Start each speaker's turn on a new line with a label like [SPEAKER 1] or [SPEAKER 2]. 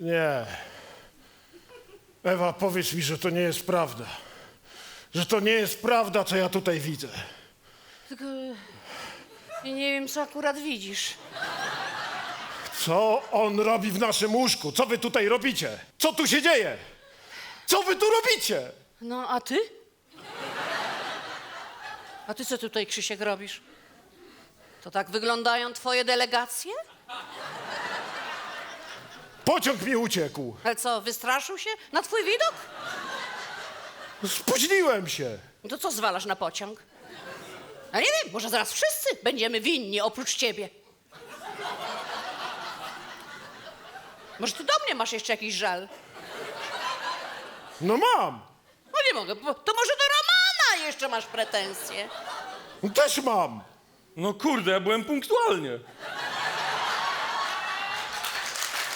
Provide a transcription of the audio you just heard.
[SPEAKER 1] Nie. Ewa, powiedz mi, że to nie jest prawda. Że to nie jest prawda, co ja tutaj widzę.
[SPEAKER 2] Tylko nie wiem, co akurat widzisz.
[SPEAKER 1] Co on robi w naszym łóżku? Co wy tutaj robicie? Co tu się dzieje? Co wy tu robicie?
[SPEAKER 2] No, a ty? A ty co tutaj, Krzysiek, robisz? To tak wyglądają twoje delegacje?
[SPEAKER 1] Pociąg mi uciekł.
[SPEAKER 2] Ale co, wystraszył się na twój widok?
[SPEAKER 1] Spóźniłem się.
[SPEAKER 2] No to co zwalasz na pociąg? A nie wiem, może zaraz wszyscy będziemy winni oprócz ciebie. Może ty do mnie masz jeszcze jakiś żal?
[SPEAKER 1] No mam.
[SPEAKER 2] No nie mogę, to może do Romana jeszcze masz pretensje?
[SPEAKER 1] Też mam.
[SPEAKER 3] No kurde, ja byłem punktualnie.